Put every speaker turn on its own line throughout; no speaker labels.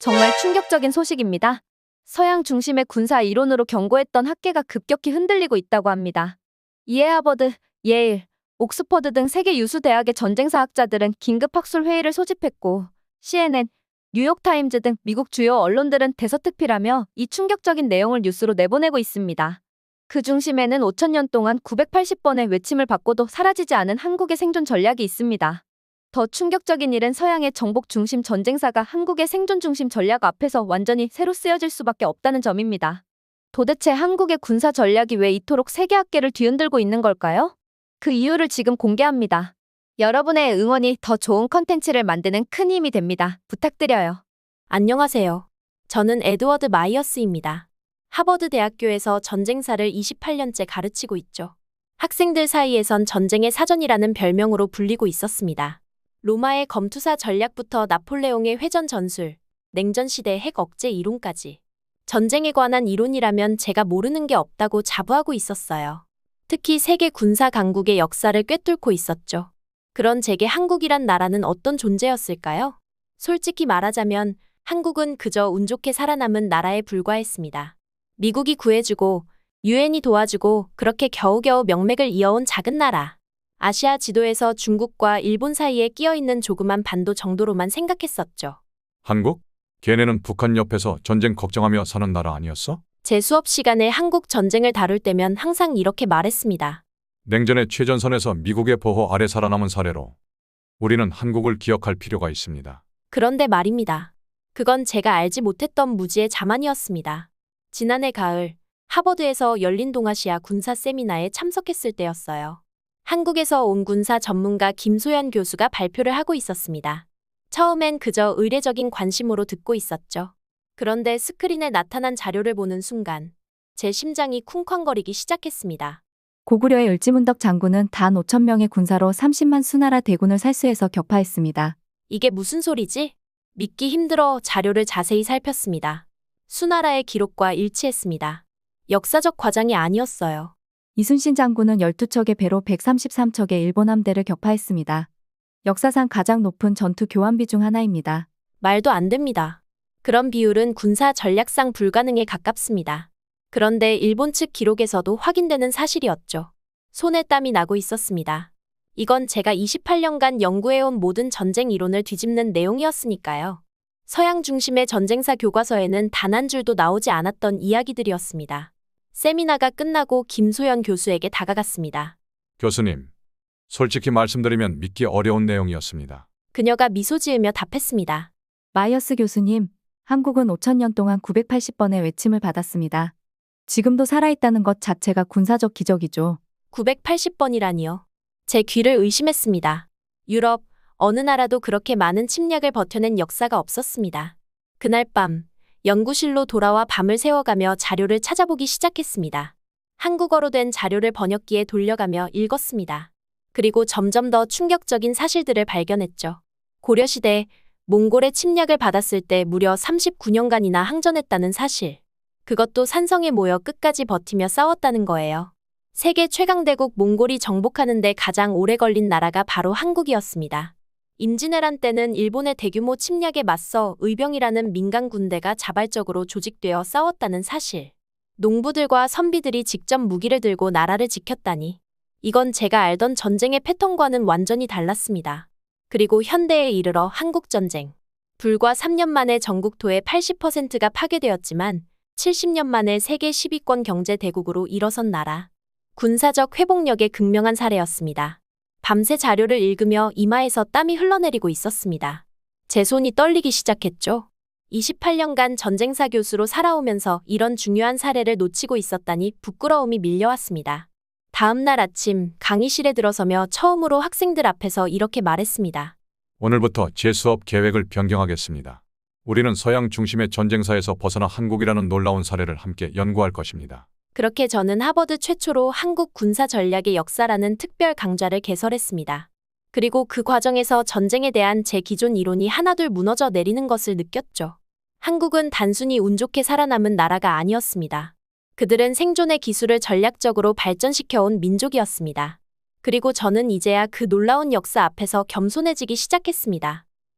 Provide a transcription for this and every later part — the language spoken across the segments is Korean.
정말 충격적인 소식입니다. 서양 중심의 군사 이론으로 경고했던 학계가 급격히 흔들리고 있다고 합니다. 이에 하버드, 예일, 옥스퍼드 등 세계 유수 대학의 전쟁사학자들은 긴급 학술 회의를 소집했고 CNN, 뉴욕타임즈 등 미국 주요 언론들은 대서특필하며 이 충격적인 내용을 뉴스로 내보내고 있습니다. 그 중심에는 5,000년 동안 980번의 외침을 받고도 사라지지 않은 한국의 생존 전략이 있습니다. 더 충격적인 일은 서양의 정복 중심 전쟁사가 한국의 생존 중심 전략 앞에서 완전히 새로 쓰여질 수밖에 없다는 점입니다. 도대체 한국의 군사 전략이 왜 이토록 세계학계를 뒤흔들고 있는 걸까요? 그 이유를 지금 공개합니다. 여러분의 응원이 더 좋은 컨텐츠를 만드는 큰 힘이 됩니다. 부탁드려요.
안녕하세요. 저는 에드워드 마이어스입니다. 하버드 대학교에서 전쟁사를 28년째 가르치고 있죠. 학생들 사이에선 전쟁의 사전이라는 별명으로 불리고 있었습니다. 로마의 검투사 전략부터 나폴레옹의 회전 전술, 냉전시대 핵 억제 이론까지. 전쟁에 관한 이론이라면 제가 모르는 게 없다고 자부하고 있었어요. 특히 세계 군사 강국의 역사를 꿰뚫고 있었죠. 그런 제게 한국이란 나라는 어떤 존재였을까요? 솔직히 말하자면 한국은 그저 운 좋게 살아남은 나라에 불과했습니다. 미국이 구해주고 유엔이 도와주고 그렇게 겨우겨우 명맥을 이어온 작은 나라. 아시아 지도에서 중국과 일본 사이에 끼어있는 조그만 반도 정도로만 생각했었죠.
한국? 걔네는 북한 옆에서 전쟁 걱정하며 사는 나라 아니었어?
제 수업 시간에 한국 전쟁을 다룰 때면 항상 이렇게 말했습니다.
냉전의 최전선에서 미국의 보호 아래 살아남은 사례로 우리는 한국을 기억할 필요가 있습니다.
그런데 말입니다. 그건 제가 알지 못했던 무지의 자만이었습니다. 지난해 가을, 하버드에서 열린 동아시아 군사 세미나에 참석했을 때였어요. 한국에서 온 군사 전문가 김소연 교수가 발표를 하고 있었습니다. 처음엔 그저 의례적인 관심으로 듣고 있었죠. 그런데 스크린에 나타난 자료를 보는 순간 제 심장이 쿵쾅거리기 시작했습니다.
고구려의 을지문덕 장군은 단 5,000명의 군사로 30만 수나라 대군을 살수해서 격파했습니다.
이게 무슨 소리지? 믿기 힘들어 자료를 자세히 살폈습니다. 수나라의 기록과 일치했습니다. 역사적 과장이 아니었어요.
이순신 장군은 12척의 배로 133척의 일본 함대를 격파했습니다. 역사상 가장 높은 전투 교환비 중 하나입니다.
말도 안 됩니다. 그런 비율은 군사 전략상 불가능에 가깝습니다. 그런데 일본 측 기록에서도 확인되는 사실이었죠. 손에 땀이 나고 있었습니다. 이건 제가 28년간 연구해온 모든 전쟁 이론을 뒤집는 내용이었으니까요. 서양 중심의 전쟁사 교과서에는 단 한 줄도 나오지 않았던 이야기들이었습니다. 세미나가 끝나고 김소연 교수에게 다가갔습니다.
교수님, 솔직히 말씀드리면 믿기 어려운 내용이었습니다.
그녀가 미소 지으며 답했습니다.
마이어스 교수님, 한국은 5,000년 동안 980번의 외침을 받았습니다. 지금도 살아있다는 것 자체가 군사적 기적이죠.
980번이라니요. 제 귀를 의심했습니다. 유럽, 어느 나라도 그렇게 많은 침략을 버텨낸 역사가 없었습니다. 그날 밤, 연구실로 돌아와 밤을 새워가며 자료를 찾아보기 시작했습니다. 한국어로 된 자료를 번역기에 돌려가며 읽었습니다. 그리고 점점 더 충격적인 사실들을 발견했죠. 고려시대, 몽골의 침략을 받았을 때 무려 39년간이나 항전했다는 사실. 그것도 산성에 모여 끝까지 버티며 싸웠다는 거예요. 세계 최강대국 몽골이 정복하는 데 가장 오래 걸린 나라가 바로 한국이었습니다. 임진왜란 때는 일본의 대규모 침략에 맞서 의병이라는 민간 군대가 자발적으로 조직되어 싸웠다는 사실. 농부들과 선비들이 직접 무기를 들고 나라를 지켰다니. 이건 제가 알던 전쟁의 패턴과는 완전히 달랐습니다. 그리고 현대에 이르러 한국전쟁. 불과 3년 만에 전국토의 80%가 파괴되었지만 70년 만에 세계 10위권 경제 대국으로 일어선 나라. 군사적 회복력의 극명한 사례였습니다. 밤새 자료를 읽으며 이마에서 땀이 흘러내리고 있었습니다. 제 손이 떨리기 시작했죠. 28년간 전쟁사 교수로 살아오면서 이런 중요한 사례를 놓치고 있었다니 부끄러움이 밀려왔습니다. 다음 날 아침 강의실에 들어서며 처음으로 학생들 앞에서 이렇게 말했습니다.
오늘부터 제 수업 계획을 변경하겠습니다. 우리는 서양 중심의 전쟁사에서 벗어나 한국이라는 놀라운 사례를 함께 연구할 것입니다.
그렇게 저는 하버드 최초로 한국 군사 전략의 역사라는 특별 강좌를 개설했습니다. 그리고 그 과정에서 전쟁에 대한 제 기존 이론이 하나둘 무너져 내리는 것을 느꼈죠. 한국은 단순히 운 좋게 살아남은 나라가 아니었습니다. 그들은 생존의 기술을 전략적으로 발전시켜온 민족이었습니다. 그리고 저는 이제야 그 놀라운 역사 앞에서 겸손해지기 시작했습니다.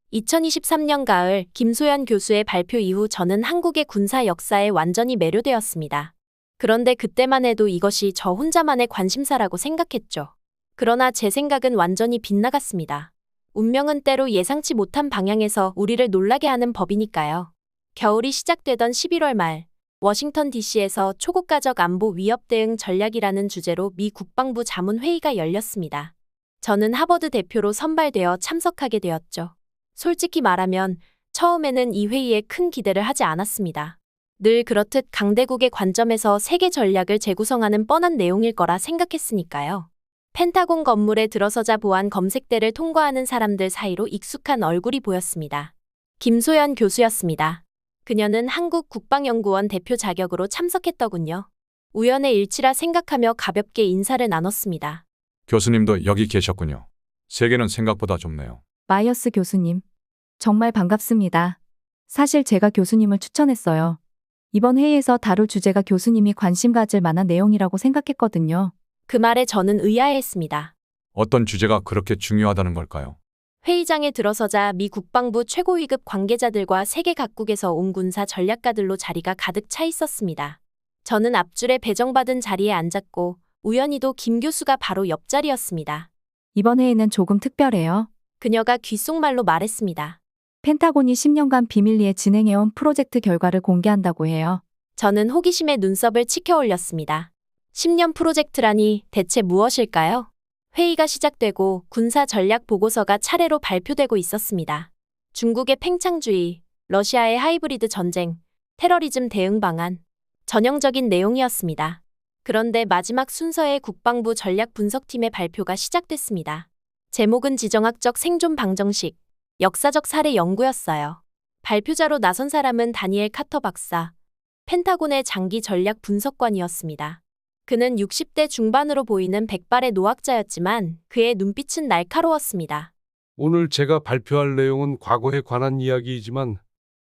2023년 가을 김소연 교수의 발표 이후 저는 한국의 군사 역사에 완전히 매료되었습니다. 그런데 그때만 해도 이것이 저 혼자만의 관심사라고 생각했죠. 그러나 제 생각은 완전히 빗나갔습니다. 운명은 때로 예상치 못한 방향에서 우리를 놀라게 하는 법이니까요. 겨울이 시작되던 11월 말, 워싱턴 DC에서 초국가적 안보 위협 대응 전략이라는 주제로 미 국방부 자문회의가 열렸습니다. 저는 하버드 대표로 선발되어 참석하게 되었죠. 솔직히 말하면 처음에는 이 회의에 큰 기대를 하지 않았습니다. 늘 그렇듯 강대국의 관점에서 세계 전략을 재구성하는 뻔한 내용일 거라 생각했으니까요. 펜타곤 건물에 들어서자 보안 검색대를 통과하는 사람들 사이로 익숙한 얼굴이 보였습니다. 김소연 교수였습니다. 그녀는 한국국방연구원 대표 자격으로 참석했더군요. 우연의 일치라 생각하며 가볍게 인사를 나눴습니다.
교수님도 여기 계셨군요. 세계는 생각보다 좁네요.
마이어스 교수님. 정말 반갑습니다. 사실 제가 교수님을 추천했어요. 이번 회의에서 다룰 주제가 교수님이 관심 가질 만한 내용이라고 생각했거든요.
그 말에 저는 의아해했습니다.
어떤 주제가 그렇게 중요하다는 걸까요?
회의장에 들어서자 미 국방부 최고위급 관계자들과 세계 각국에서 온 군사 전략가들로 자리가 가득 차 있었습니다. 저는 앞줄에 배정받은 자리에 앉았고 우연히도 김 교수가 바로 옆자리였습니다.
이번 회의는 조금 특별해요.
그녀가 귓속말로 말했습니다.
펜타곤이 10년간 비밀리에 진행해온 프로젝트 결과를 공개한다고 해요.
저는 호기심에 눈썹을 치켜 올렸습니다. 10년 프로젝트라니 대체 무엇일까요? 회의가 시작되고 군사 전략 보고서가 차례로 발표되고 있었습니다. 중국의 팽창주의, 러시아의 하이브리드 전쟁, 테러리즘 대응 방안, 전형적인 내용이었습니다. 그런데 마지막 순서의 국방부 전략 분석팀의 발표가 시작됐습니다. 제목은 지정학적 생존 방정식, 역사적 사례 연구였어요. 발표자로 나선 사람은 다니엘 카터 박사, 펜타곤의 장기 전략 분석관이었습니다. 그는 60대 중반으로 보이는 백발의 노학자였지만 그의 눈빛은 날카로웠습니다.
오늘 제가 발표할 내용은 과거에 관한 이야기이지만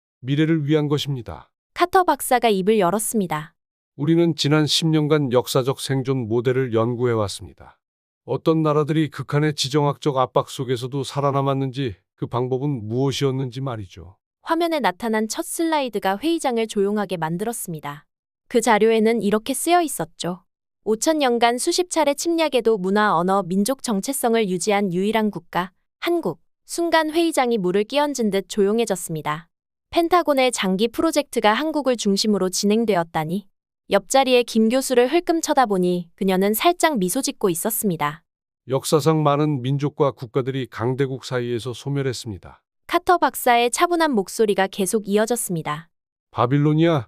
미래를 위한 것입니다.
카터 박사가 입을 열었습니다.
우리는 지난 10년간 역사적 생존 모델을 연구해 왔습니다. 어떤 나라들이 극한의 지정학적 압박 속에서도 살아남았는지, 그 방법은 무엇이었는지 말이죠.
화면에 나타난 첫 슬라이드가 회의장을 조용하게 만들었습니다. 그 자료에는 이렇게 쓰여 있었죠. 5,000년간 수십 차례 침략에도 문화, 언어, 민족 정체성을 유지한 유일한 국가, 한국. 순간 회의장이 물을 끼얹은 듯 조용해졌습니다. 펜타곤의 장기 프로젝트가 한국을 중심으로 진행되었다니. 옆자리에 김 교수를 흘끔 쳐다보니 그녀는 살짝 미소 짓고 있었습니다.
역사상 많은 민족과 국가들이 강대국 사이에서 소멸했습니다.
카터 박사의 차분한 목소리가 계속 이어졌습니다.
바빌로니아,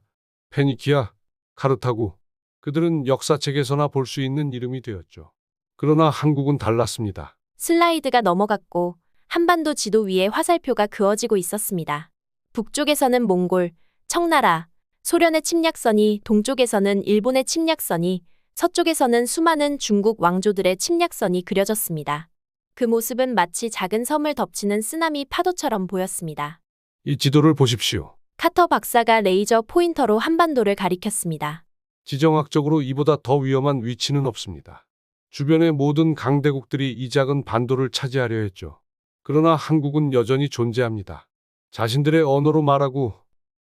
페니키아, 카르타고, 그들은 역사책에서나 볼 수 있는 이름이 되었죠. 그러나 한국은 달랐습니다.
슬라이드가 넘어갔고 한반도 지도 위에 화살표가 그어지고 있었습니다. 북쪽에서는 몽골, 청나라, 소련의 침략선이, 동쪽에서는 일본의 침략선이, 서쪽에서는 수많은 중국 왕조들의 침략선이 그려졌습니다. 그 모습은 마치 작은 섬을 덮치는 쓰나미 파도처럼 보였습니다.
이 지도를 보십시오.
카터 박사가 레이저 포인터로 한반도를 가리켰습니다.
지정학적으로 이보다 더 위험한 위치는 없습니다. 주변의 모든 강대국들이 이 작은 반도를 차지하려 했죠. 그러나 한국은 여전히 존재합니다. 자신들의 언어로 말하고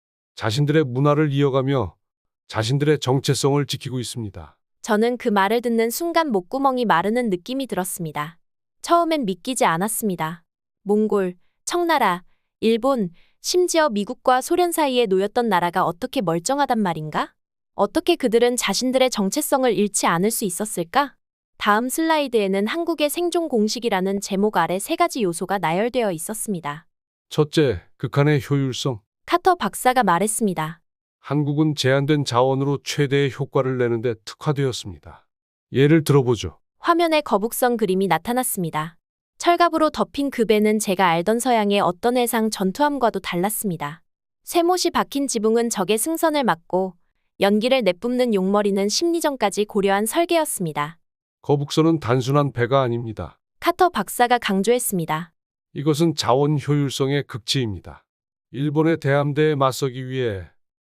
자신들의 문화를 이어가며 자신들의 정체성을 지키고 있습니다.
저는 그 말을 듣는 순간 목구멍이 마르는 느낌이 들었습니다. 처음엔 믿기지 않았습니다. 몽골, 청나라, 일본, 심지어 미국과 소련 사이에 놓였던 나라가 어떻게 멀쩡하단 말인가? 어떻게 그들은 자신들의 정체성을 잃지 않을 수 있었을까? 다음 슬라이드에는 한국의 생존 공식이라는 제목 아래 3가지 요소가 나열되어 있었습니다.
첫째, 극한의 효율성.
카터 박사가 말했습니다.
한국은 제한된 자원으로 최대의 효과를 내는데 특화되었습니다. 예를 들어보죠.
화면에 거북선 그림이 나타났습니다. 철갑으로 덮인 그 배는 제가 알던 서양의 어떤 해상 전투함과도 달랐습니다. 쇠못이 박힌 지붕은 적의 승선을 막고 연기를 내뿜는 용머리는 심리전까지 고려한 설계였습니다.
거북선은 단순한 배가 아닙니다.
카터 박사가 강조했습니다.
이것은 자원 효율성의 극치입니다. 일본의 대함대에 맞서기 위해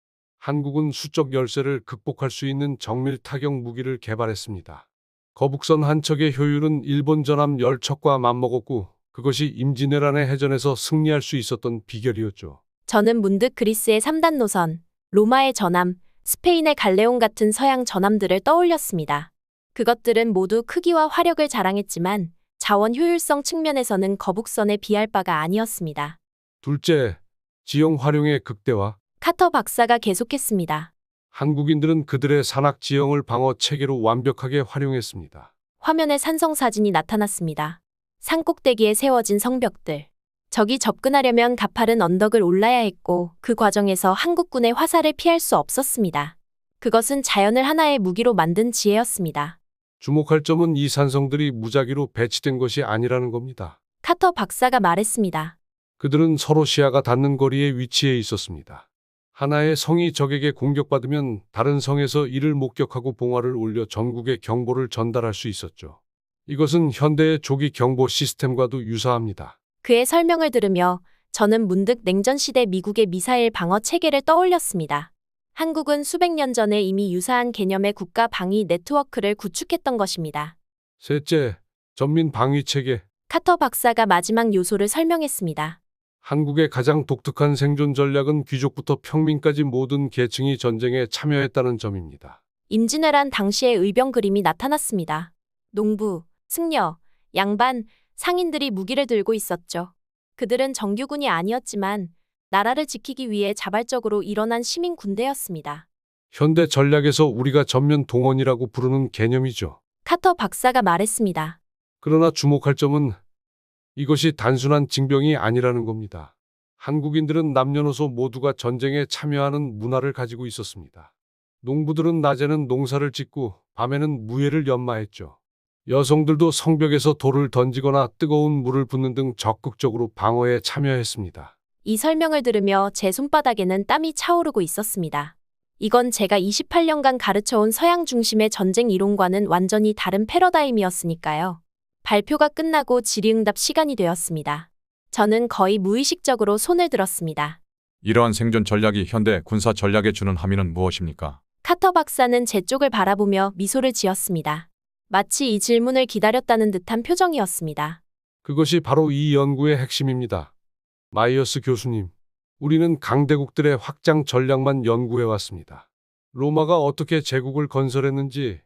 한국은 수적 열세를 극복할 수 있는 정밀 타격 무기를 개발했습니다. 거북선 한 척의 효율은 일본 전함 10척과 맞먹었고 그것이 임진왜란의 해전에서 승리할 수 있었던 비결이었죠.
저는 문득 그리스의 3단 노선, 로마의 전함, 스페인의 갈레온 같은 서양 전함들을 떠올렸습니다. 그것들은 모두 크기와 화력을 자랑했지만 자원 효율성 측면에서는 거북선에 비할 바가 아니었습니다.
둘째, 지형 활용의 극대화.
카터 박사가 계속했습니다.
한국인들은 그들의 산악 지형을 방어 체계로 완벽하게 활용했습니다.
화면에 산성 사진이 나타났습니다. 산 꼭대기에 세워진 성벽들. 적이 접근하려면 가파른 언덕을 올라야 했고 그 과정에서 한국군의 화살을 피할 수 없었습니다. 그것은 자연을 하나의 무기로 만든 지혜였습니다.
주목할 점은 이 산성들이 무작위로 배치된 것이 아니라는 겁니다.
카터 박사가 말했습니다.
그들은 서로 시야가 닿는 거리에 위치해 있었습니다. 하나의 성이 적에게 공격받으면 다른 성에서 이를 목격하고 봉화를 올려 전국에 경보를 전달할 수 있었죠. 이것은 현대의 조기 경보 시스템과도 유사합니다.
그의 설명을 들으며 저는 문득 냉전시대 미국의 미사일 방어 체계를 떠올렸습니다. 한국은 수백 년 전에 이미 유사한 개념의 국가 방위 네트워크를 구축했던 것입니다.
셋째, 전민 방위 체계.
카터 박사가 마지막 요소를 설명했습니다.
한국의 가장 독특한 생존 전략은 귀족부터 평민까지 모든 계층이 전쟁에 참여했다는 점입니다.
임진왜란 당시의 의병 그림이 나타났습니다. 농부, 승려, 양반, 상인들이 무기를 들고 있었죠. 그들은 정규군이 아니었지만 나라를 지키기 위해 자발적으로 일어난 시민 군대였습니다.
현대 전략에서 우리가 전면 동원이라고 부르는 개념이죠.
카터 박사가 말했습니다.
그러나 주목할 점은 이것이 단순한 징병이 아니라는 겁니다. 한국인들은 남녀노소 모두가 전쟁에 참여하는 문화를 가지고 있었습니다. 농부들은 낮에는 농사를 짓고 밤에는 무예를 연마했죠. 여성들도 성벽에서 돌을 던지거나 뜨거운 물을 붓는 등 적극적으로 방어에 참여했습니다.
이 설명을 들으며 제 손바닥에는 땀이 차오르고 있었습니다. 이건 제가 28년간 가르쳐온 서양 중심의 전쟁 이론과는 완전히 다른 패러다임이었으니까요. 발표가 끝나고 질의응답 시간이 되었습니다. 저는 거의 무의식적으로 손을 들었습니다.
이러한 생존 전략이 현대 군사 전략에 주는 함의는 무엇입니까?
카터 박사는 제 쪽을 바라보며 미소를 지었습니다. 마치 이 질문을 기다렸다는 듯한 표정이었습니다.
그것이 바로 이 연구의 핵심입니다. 마이어스 교수님, 우리는 강대국들의 확장 전략만 연구해왔습니다. 로마가 어떻게 제국을 건설했는지,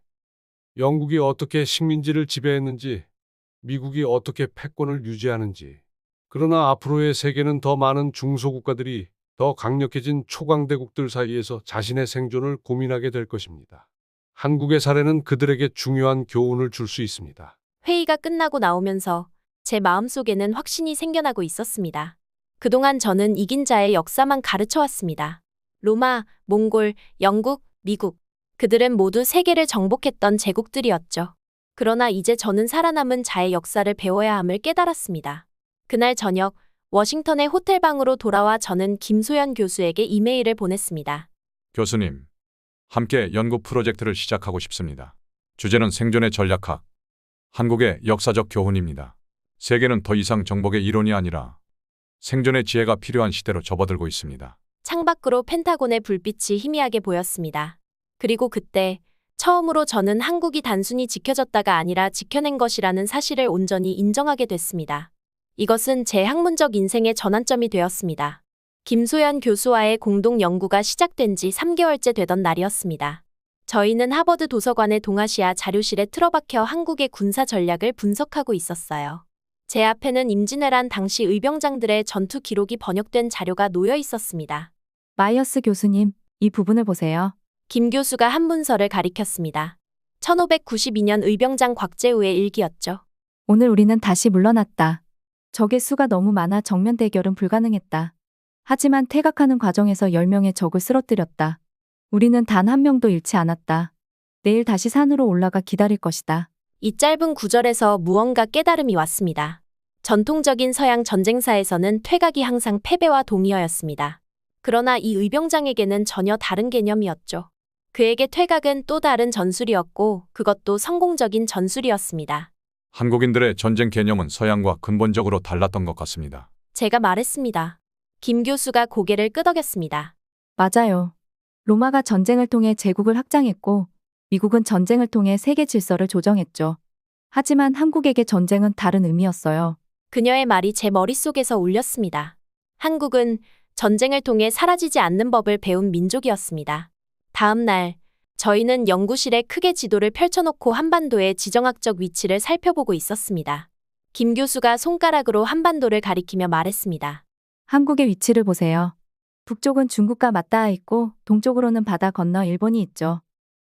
영국이 어떻게 식민지를 지배했는지, 미국이 어떻게 패권을 유지하는지. 그러나 앞으로의 세계는 더 많은 중소국가들이 더 강력해진 초강대국들 사이에서 자신의 생존을 고민하게 될 것입니다. 한국의 사례는 그들에게 중요한 교훈을 줄 수 있습니다.
회의가 끝나고 나오면서 제 마음속에는 확신이 생겨나고 있었습니다. 그동안 저는 이긴 자의 역사만 가르쳐왔습니다. 로마, 몽골, 영국, 미국. 그들은 모두 세계를 정복했던 제국들이었죠. 그러나 이제 저는 살아남은 자의 역사를 배워야 함을 깨달았습니다. 그날 저녁 워싱턴의 호텔방으로 돌아와 저는 김소연 교수에게 이메일을 보냈습니다.
교수님, 함께 연구 프로젝트를 시작하고 싶습니다. 주제는 생존의 전략학, 한국의 역사적 교훈입니다. 세계는 더 이상 정복의 이론이 아니라 생존의 지혜가 필요한 시대로 접어들고 있습니다.
창밖으로 펜타곤의 불빛이 희미하게 보였습니다. 그리고 그때 처음으로 저는 한국이 단순히 지켜졌다가 아니라 지켜낸 것이라는 사실을 온전히 인정하게 됐습니다. 이것은 제 학문적 인생의 전환점이 되었습니다. 김소연 교수와의 공동 연구가 시작된 지 3개월째 되던 날이었습니다. 저희는 하버드 도서관의 동아시아 자료실에 틀어박혀 한국의 군사 전략을 분석하고 있었어요. 제 앞에는 임진왜란 당시 의병장들의 전투 기록이 번역된 자료가 놓여 있었습니다.
마이어스 교수님, 이 부분을 보세요.
김 교수가 한 문서를 가리켰습니다. 1592년 의병장 곽재우의 일기였죠.
오늘 우리는 다시 물러났다. 적의 수가 너무 많아 정면 대결은 불가능했다. 하지만 퇴각하는 과정에서 10명의 적을 쓰러뜨렸다. 우리는 단 한 명도 잃지 않았다. 내일 다시 산으로 올라가 기다릴 것이다.
이 짧은 구절에서 무언가 깨달음이 왔습니다. 전통적인 서양 전쟁사에서는 퇴각이 항상 패배와 동의어였습니다. 그러나 이 의병장에게는 전혀 다른 개념이었죠. 그에게 퇴각은 또 다른 전술이었고 그것도 성공적인 전술이었습니다.
한국인들의 전쟁 개념은 서양과 근본적으로 달랐던 것 같습니다.
제가 말했습니다. 김 교수가 고개를 끄덕였습니다.
맞아요. 로마가 전쟁을 통해 제국을 확장했고 미국은 전쟁을 통해 세계 질서를 조정했죠. 하지만 한국에게 전쟁은 다른 의미였어요.
그녀의 말이 제 머릿속에서 울렸습니다. 한국은 전쟁을 통해 사라지지 않는 법을 배운 민족이었습니다. 다음 날, 저희는 연구실에 크게 지도를 펼쳐놓고 한반도의 지정학적 위치를 살펴보고 있었습니다. 김 교수가 손가락으로 한반도를 가리키며 말했습니다.
한국의 위치를 보세요. 북쪽은 중국과 맞닿아 있고 동쪽으로는 바다 건너 일본이 있죠.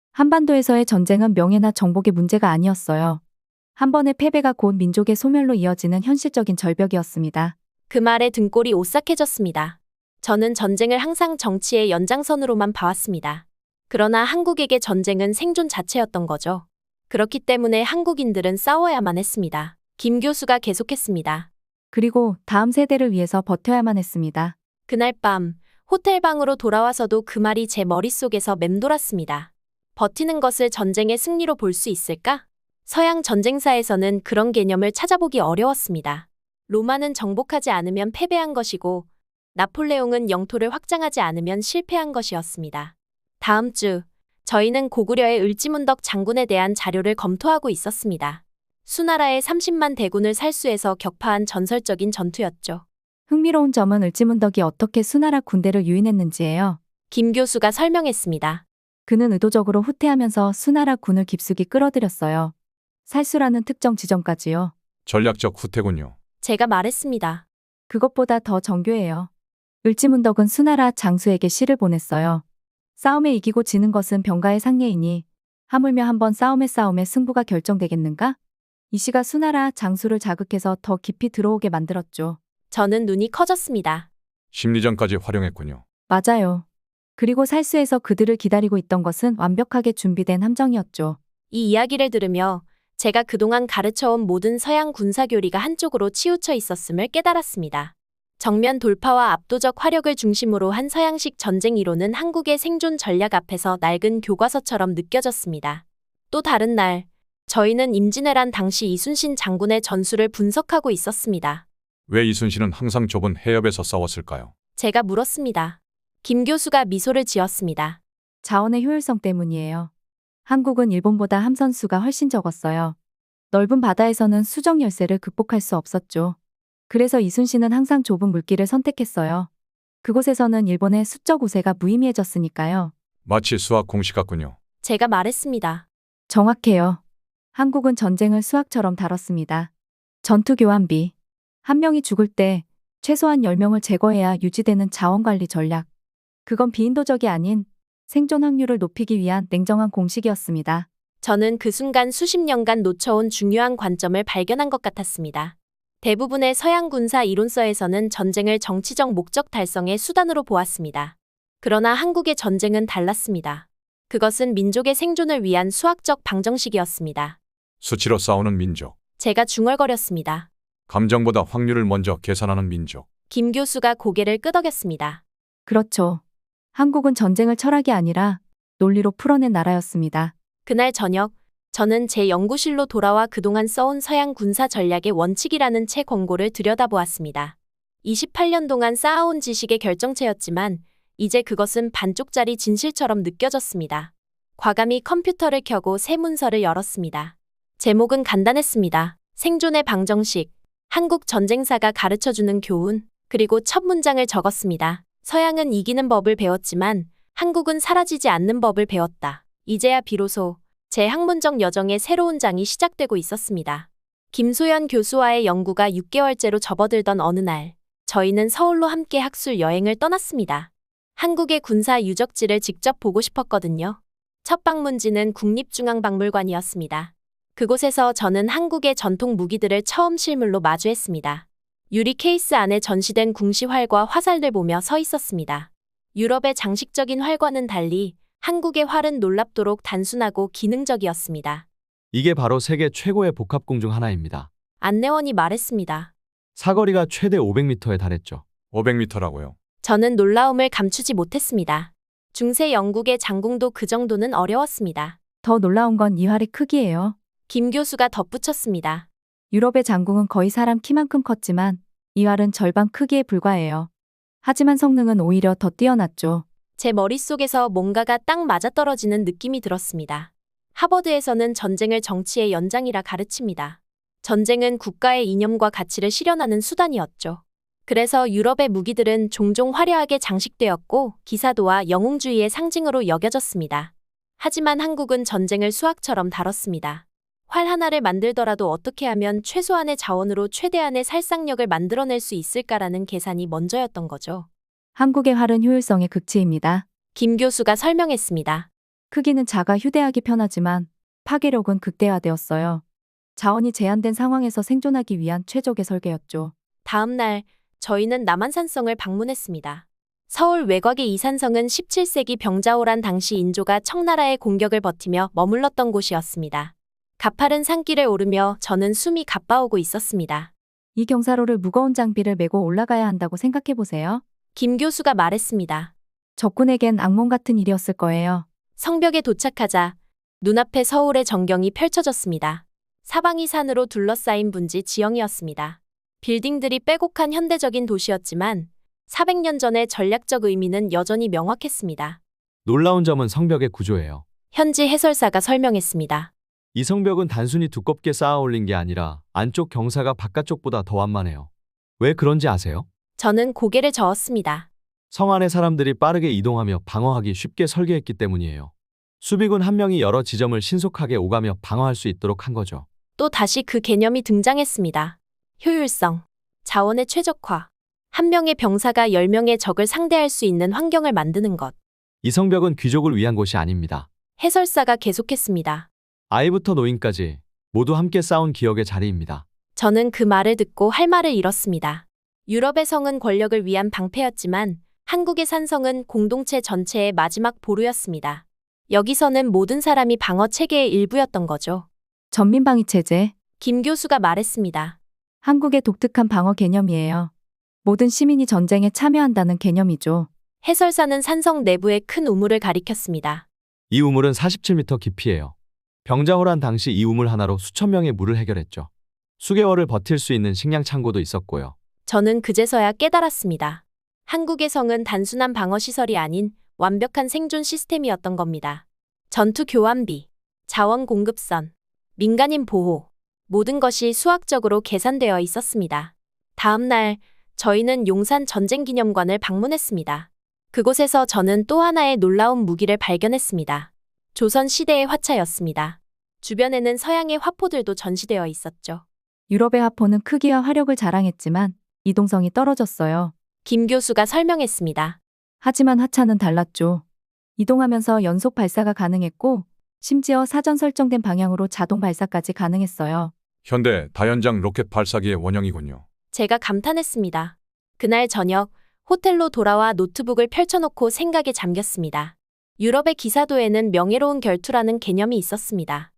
한반도에서의 전쟁은 명예나 정복의 문제가 아니었어요. 한 번의 패배가 곧 민족의 소멸로 이어지는 현실적인 절벽이었습니다.
그 말에 등골이 오싹해졌습니다. 저는 전쟁을 항상 정치의 연장선으로만 봐왔습니다. 그러나 한국에게 전쟁은 생존 자체였던 거죠. 그렇기 때문에 한국인들은 싸워야만 했습니다. 김 교수가 계속했습니다.
그리고 다음 세대를 위해서 버텨야만 했습니다.
그날 밤 호텔 방으로 돌아와서도 그 말이 제 머릿속에서 맴돌았습니다. 버티는 것을 전쟁의 승리로 볼 수 있을까? 서양 전쟁사에서는 그런 개념을 찾아보기 어려웠습니다. 로마는 정복하지 않으면 패배한 것이고 나폴레옹은 영토를 확장하지 않으면 실패한 것이었습니다. 다음 주 저희는 고구려의 을지문덕 장군에 대한 자료를 검토하고 있었습니다. 수나라의 30만 대군을 살수해서 격파한 전설적인 전투였죠.
흥미로운 점은 을지문덕이 어떻게 수나라 군대를 유인했는지예요.
김 교수가 설명했습니다.
그는 의도적으로 후퇴하면서 수나라 군을 깊숙이 끌어들였어요. 살수라는 특정 지점까지요.
전략적 후퇴군요.
제가 말했습니다.
그것보다 더 정교해요. 을지문덕은 수나라 장수에게 시를 보냈어요. 싸움에 이기고 지는 것은 병가의 상례이니 하물며 한번 싸움에 승부가 결정되겠는가? 이 시가 수나라 장수를 자극해서 더 깊이 들어오게 만들었죠.
저는 눈이 커졌습니다.
심리전까지 활용했군요.
맞아요. 그리고 살수에서 그들을 기다리고 있던 것은 완벽하게 준비된 함정이었죠.
이 이야기를 들으며 제가 그동안 가르쳐온 모든 서양 군사교리가 한쪽으로 치우쳐 있었음을 깨달았습니다. 정면 돌파와 압도적 화력을 중심으로 한 서양식 전쟁 이론은 한국의 생존 전략 앞에서 낡은 교과서처럼 느껴졌습니다. 또 다른 날, 저희는 임진왜란 당시 이순신 장군의 전술을 분석하고 있었습니다.
왜 이순신은 항상 좁은 해협에서 싸웠을까요?
제가 물었습니다. 김 교수가 미소를 지었습니다.
자원의 효율성 때문이에요. 한국은 일본보다 함선수가 훨씬 적었어요. 넓은 바다에서는 수정 열세를 극복할 수 없었죠. 그래서 이순신은 항상 좁은 물길을 선택했어요. 그곳에서는 일본의 수적 우세가 무의미해졌으니까요.
마치 수학 공식 같군요.
제가 말했습니다.
정확해요. 한국은 전쟁을 수학처럼 다뤘습니다. 전투 교환비. 한 명이 죽을 때 최소한 10명을 제거해야 유지되는 자원관리 전략. 그건 비인도적이 아닌 생존 확률을 높이기 위한 냉정한 공식이었습니다.
저는 그 순간 수십 년간 놓쳐온 중요한 관점을 발견한 것 같았습니다. 대부분의 서양 군사 이론서에서는 전쟁을 정치적 목적 달성의 수단으로 보았습니다. 그러나 한국의 전쟁은 달랐습니다. 그것은 민족의 생존을 위한 수학적 방정식이었습니다.
수치로 싸우는 민족.
제가 중얼거렸습니다.
감정보다 확률을 먼저 계산하는 민족.
김 교수가 고개를 끄덕였습니다.
그렇죠. 한국은 전쟁을 철학이 아니라 논리로 풀어낸 나라였습니다.
그날 저녁, 저는 제 연구실로 돌아와 그동안 써온 서양 군사 전략의 원칙이라는 책 권고를 들여다보았습니다. 28년 동안 쌓아온 지식의 결정체였지만 이제 그것은 반쪽짜리 진실처럼 느껴졌습니다. 과감히 컴퓨터를 켜고 새 문서를 열었습니다. 제목은 간단했습니다. 생존의 방정식, 한국 전쟁사가 가르쳐주는 교훈, 그리고 첫 문장을 적었습니다. 서양은 이기는 법을 배웠지만 한국은 사라지지 않는 법을 배웠다. 이제야 비로소 제 학문적 여정의 새로운 장이 시작되고 있었습니다. 김소연 교수와의 연구가 6개월째로 접어들던 어느 날, 저희는 서울로 함께 학술 여행을 떠났습니다. 한국의 군사 유적지를 직접 보고 싶었거든요. 첫 방문지는 국립중앙박물관이었습니다. 그곳에서 저는 한국의 전통 무기들을 처음 실물로 마주했습니다. 유리 케이스 안에 전시된 궁시 활과 화살들 보며 서 있었습니다. 유럽의 장식적인 활과는 달리 한국의 활은 놀랍도록 단순하고 기능적이었습니다.
이게 바로 세계 최고의 복합공 중 하나입니다.
안내원이 말했습니다.
사거리가 최대 500m에 달했죠.
500m라고요.
저는 놀라움을 감추지 못했습니다. 중세 영국의 장궁도 그 정도는 어려웠습니다.
더 놀라운 건 이 활의 크기예요.
김 교수가 덧붙였습니다.
유럽의 장궁은 거의 사람 키만큼 컸지만 이 활은 절반 크기에 불과해요. 하지만 성능은 오히려 더 뛰어났죠.
제 머릿속에서 뭔가가 딱 맞아떨어지는 느낌이 들었습니다. 하버드에서는 전쟁을 정치의 연장이라 가르칩니다. 전쟁은 국가의 이념과 가치를 실현하는 수단이었죠. 그래서 유럽의 무기들은 종종 화려하게 장식되었고 기사도와 영웅주의의 상징으로 여겨졌습니다. 하지만 한국은 전쟁을 수학처럼 다뤘습니다. 활 하나를 만들더라도 어떻게 하면 최소한의 자원으로 최대한의 살상력을 만들어낼 수 있을까라는 계산이 먼저였던 거죠.
한국의 활은 효율성의 극치입니다.
김 교수가 설명했습니다.
크기는 작아 휴대하기 편하지만 파괴력은 극대화되었어요. 자원이 제한된 상황에서 생존하기 위한 최적의 설계였죠.
다음 날 저희는 남한산성을 방문했습니다. 서울 외곽의 이 산성은 17세기 병자호란 당시 인조가 청나라의 공격을 버티며 머물렀던 곳이었습니다. 가파른 산길을 오르며 저는 숨이 가빠오고 있었습니다.
이 경사로를 무거운 장비를 메고 올라가야 한다고 생각해 보세요.
김 교수가 말했습니다.
적군에겐 악몽 같은 일이었을 거예요.
성벽에 도착하자 눈앞에 서울의 전경이 펼쳐졌습니다. 사방이 산으로 둘러싸인 분지 지형이었습니다. 빌딩들이 빼곡한 현대적인 도시였지만 400년 전의 전략적 의미는 여전히 명확했습니다.
놀라운 점은 성벽의 구조예요.
현지 해설사가 설명했습니다.
이 성벽은 단순히 두껍게 쌓아 올린 게 아니라 안쪽 경사가 바깥쪽보다 더 완만해요. 왜 그런지 아세요?
저는 고개를 저었습니다.
성 안의 사람들이 빠르게 이동하며 방어하기 쉽게 설계했기 때문이에요. 수비군 한 명이 여러 지점을 신속하게 오가며 방어할 수 있도록 한 거죠.
또 다시 그 개념이 등장했습니다. 효율성, 자원의 최적화, 한 명의 병사가 10명의 적을 상대할 수 있는 환경을 만드는 것.
이 성벽은 귀족을 위한 곳이 아닙니다.
해설사가 계속했습니다.
아이부터 노인까지 모두 함께 싸운 기억의 자리입니다.
저는 그 말을 듣고 할 말을 잃었습니다. 유럽의 성은 권력을 위한 방패였지만 한국의 산성은 공동체 전체의 마지막 보루였습니다. 여기서는 모든 사람이 방어 체계의 일부였던 거죠.
전민방위 체제,
김 교수가 말했습니다.
한국의 독특한 방어 개념이에요. 모든 시민이 전쟁에 참여한다는 개념이죠.
해설사는 산성 내부의 큰 우물을 가리켰습니다.
이 우물은 47m 깊이에요. 병자호란 당시 이 우물 하나로 수천 명의 물을 해결했죠. 수개월을 버틸 수 있는 식량 창고도 있었고요.
저는 그제서야 깨달았습니다. 한국의 성은 단순한 방어시설이 아닌 완벽한 생존 시스템이었던 겁니다. 전투 교환비, 자원 공급선, 민간인 보호, 모든 것이 수학적으로 계산되어 있었습니다. 다음 날 저희는 용산 전쟁기념관을 방문했습니다. 그곳에서 저는 또 하나의 놀라운 무기를 발견했습니다. 조선 시대의 화차였습니다. 주변에는 서양의 화포들도 전시되어 있었죠.
유럽의 화포는 크기와 화력을 자랑했지만 이동성이 떨어졌어요.
김 교수가 설명했습니다.
하지만 화차는 달랐죠. 이동하면서 연속 발사가 가능했고 심지어 사전 설정된 방향으로 자동 발사까지 가능했어요.
현대 다연장 로켓 발사기의 원형이군요.
제가 감탄했습니다. 그날 저녁 호텔로 돌아와 노트북을 펼쳐놓고 생각에 잠겼습니다. 유럽의 기사도에는 명예로운 결투라는 개념이 있었습니다.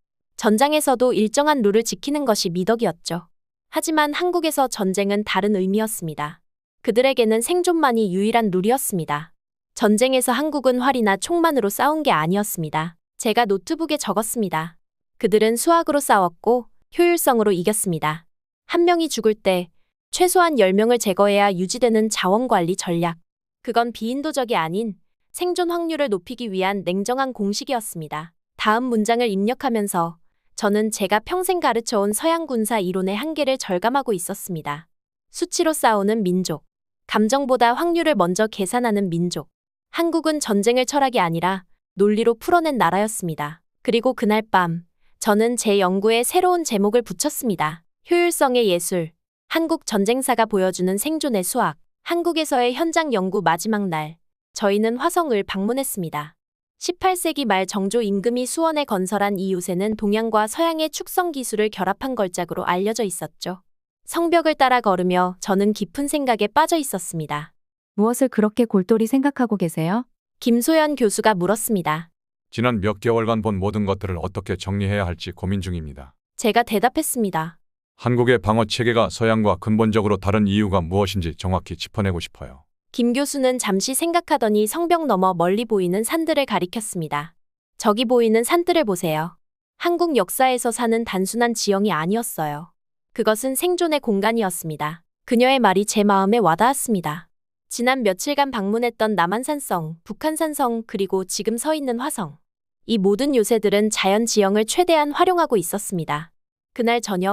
전장에서도 일정한 룰을 지키는 것이 미덕이었죠. 하지만 한국에서 전쟁은 다른 의미였습니다. 그들에게는 생존만이 유일한 룰이었습니다. 전쟁에서 한국은 활이나 총만으로 싸운 게 아니었습니다. 제가 노트북에 적었습니다. 그들은 수학으로 싸웠고 효율성으로 이겼습니다. 한 명이 죽을 때 최소한 10명을 제거해야 유지되는 자원관리 전략. 그건 비인도적이 아닌 생존 확률을 높이기 위한 냉정한 공식이었습니다. 다음 문장을 입력하면서 저는 제가 평생 가르쳐온 서양 군사 이론의 한계를 절감하고 있었습니다. 수치로 싸우는 민족, 감정보다 확률을 먼저 계산하는 민족. 한국은 전쟁을 철학이 아니라 논리로 풀어낸 나라였습니다. 그리고 그날 밤, 저는 제 연구에 새로운 제목을 붙였습니다. 효율성의 예술, 한국 전쟁사가 보여주는 생존의 수학. 한국에서의 현장 연구 마지막 날, 저희는 화성을 방문했습니다. 18세기 말 정조 임금이 수원에 건설한 이 요새는 동양과 서양의 축성 기술을 결합한 걸작으로 알려져 있었죠. 성벽을 따라 걸으며 저는 깊은 생각에 빠져 있었습니다.
무엇을 그렇게 골똘히 생각하고 계세요?
김소연 교수가 물었습니다.
지난 몇 개월간 본 모든 것들을 어떻게 정리해야 할지 고민 중입니다.
제가 대답했습니다.
한국의 방어 체계가 서양과 근본적으로 다른 이유가 무엇인지 정확히 짚어내고 싶어요.
김 교수는 잠시 생각하더니 성벽 너머 멀리 보이는 산들을 가리켰습니다. 저기 보이는 산들을 보세요. 한국 역사에서 사는 단순한 지형이 아니었어요. 그것은 생존의 공간이었습니다. 그녀의 말이 제 마음에 와닿았습니다. 지난 며칠간 방문했던 남한산성, 북한산성, 그리고 지금 서 있는 화성. 이 모든 요새들은 자연 지형을 최대한 활용하고 있었습니다. 그날 저녁,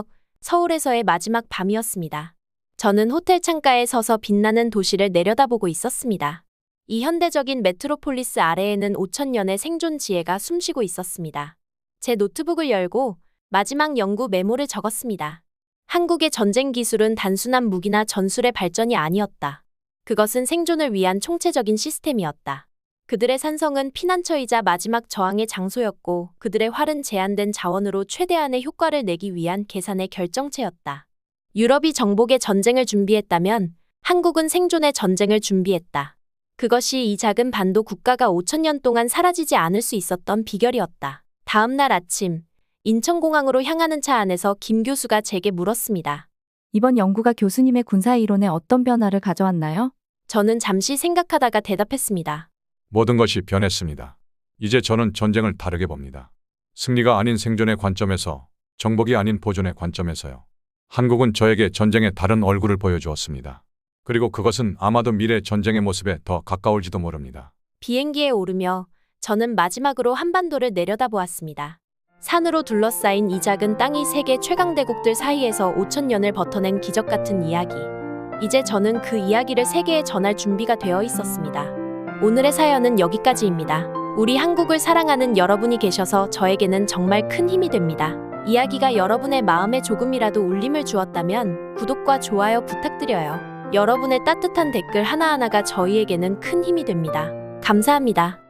서울에서의 마지막 밤이었습니다. 저는 호텔 창가에 서서 빛나는 도시를 내려다보고 있었습니다. 이 현대적인 메트로폴리스 아래에는 5천년의 생존 지혜가 숨쉬고 있었습니다. 제 노트북을 열고 마지막 연구 메모를 적었습니다. 한국의 전쟁 기술은 단순한 무기나 전술의 발전이 아니었다. 그것은 생존을 위한 총체적인 시스템이었다. 그들의 산성은 피난처이자 마지막 저항의 장소였고 그들의 활은 제한된 자원으로 최대한의 효과를 내기 위한 계산의 결정체였다. 유럽이 정복의 전쟁을 준비했다면 한국은 생존의 전쟁을 준비했다. 그것이 이 작은 반도 국가가 5천년 동안 사라지지 않을 수 있었던 비결이었다. 다음 날 아침, 인천공항으로 향하는 차 안에서 김 교수가 제게 물었습니다.
이번 연구가 교수님의 군사 이론에 어떤 변화를 가져왔나요?
저는 잠시 생각하다가 대답했습니다.
모든 것이 변했습니다. 이제 저는 전쟁을 다르게 봅니다. 승리가 아닌 생존의 관점에서, 정복이 아닌 보존의 관점에서요. 한국은 저에게 전쟁의 다른 얼굴을 보여주었습니다. 그리고 그것은 아마도 미래 전쟁의 모습에 더 가까울지도 모릅니다.
비행기에 오르며 저는 마지막으로 한반도를 내려다보았습니다. 산으로 둘러싸인 이 작은 땅이 세계 최강대국들 사이에서 5천년을 버텨낸 기적 같은 이야기. 이제 저는 그 이야기를 세계에 전할 준비가 되어 있었습니다. 오늘의 사연은 여기까지입니다. 우리 한국을 사랑하는 여러분이 계셔서 저에게는 정말 큰 힘이 됩니다. 이야기가 여러분의 마음에 조금이라도 울림을 주었다면 구독과 좋아요 부탁드려요. 여러분의 따뜻한 댓글 하나하나가 저희에게는 큰 힘이 됩니다. 감사합니다.